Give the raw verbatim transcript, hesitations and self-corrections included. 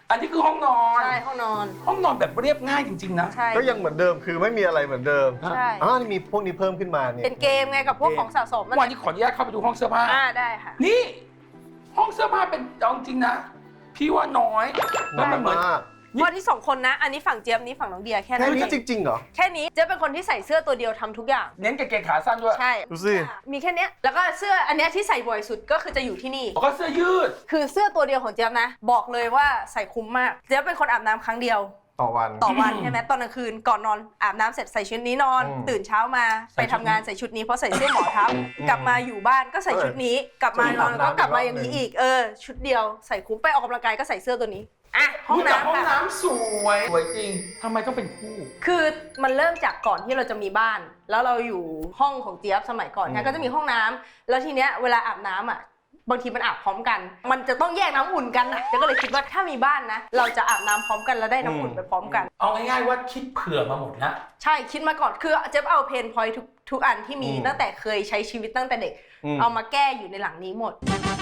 อันนี้คือห้องนอนใช่ห้องนอนห้องนอนแบบเรียบง่ายจริงๆนะใช่ก็ยังเหมือนเดิมคือไม่มีอะไรเหมือนเดิมใช่อ๋อนี่มีพวกนี้เพิ่มขึ้นมาเนี่ยเป็นเกมไงกับพวกของสะสมวันนี้ขออนุญาตเข้าไปดูห้องเสื้อผ้าอ่าได้ค่ะนี่ห้องเสื้อผ้าเป็นเอาจริงนะพี่ว่าน้อยแล้วมันเหมือนพอที่สองคนนะอันนี้ฝั่งเจี๊ยบนี้ฝั่งน้องเดียแค่นั้แค่นนี้จริงๆเหรอแค่นี้เจี๊ยบเป็นคนที่ใส่เสื้อตัวเดียวทำทุกอย่างเน้นกางเกงขาสั้นด้วยใช่ดูสิมีแค่นี้แล้วก็เสื้ออันนี้ที่ใส่บ่อยสุดก็คือจะอยู่ที่นี่ก็เสื้อยืดคือเสื้อตัวเดียวของเจี๊ยบนะบอกเลยว่าใส่คุ้มมากเจี๊ยบเป็นคนอาบน้ำครั้งเดียวต่อวันต่อวันใช่ไหมตอนกลางคืนก่อนนอนอาบน้ำเสร็จใส่ชุดนี้นอนตื่นเช้ามาไปทำงานใส่ชุดนี้เพราะใส่เสื้อหมอทับกลับมาอยู่บ้านก็ใส่ชุดนี้กลับมานอนก็กลับมาอย่างนี้อีกเออชุดเดียวใส่คุ้มไปออกกำลังกายก็ใส่เสื้อตัวนี้อ่ะห้องน้ำห้องค่ะน้ำสวยสวยจริงทำไมต้องเป็นคู่คือมันเริ่มจากก่อนที่เราจะมีบ้านแล้วเราอยู่ห้องของเจี๊ยบสมัยก่อนเนี่ยก็จะมีห้องน้ำแล้วทีเนี้ยเวลาอาบน้ำอ่ะบางทีมันอาบพร้อมกันมันจะต้องแยกน้ำอุ่นกันอ่ะเจ๊ก็เลยคิดว่าถ้ามีบ้านนะเราจะอาบน้ำพร้อมกันแล้วได้น้ำอุ่นไปพร้อมกันเอาง่ายๆว่าคิดเผื่อมาหมดนะใช่คิดมาก่อนคือเจ๊เอาเพนพอยท์ทุกทุกอันที่มีตั้งแต่เคยใช้ชีวิตตั้งแต่เด็กเอามาแก้อยู่ในหลังนี้หมด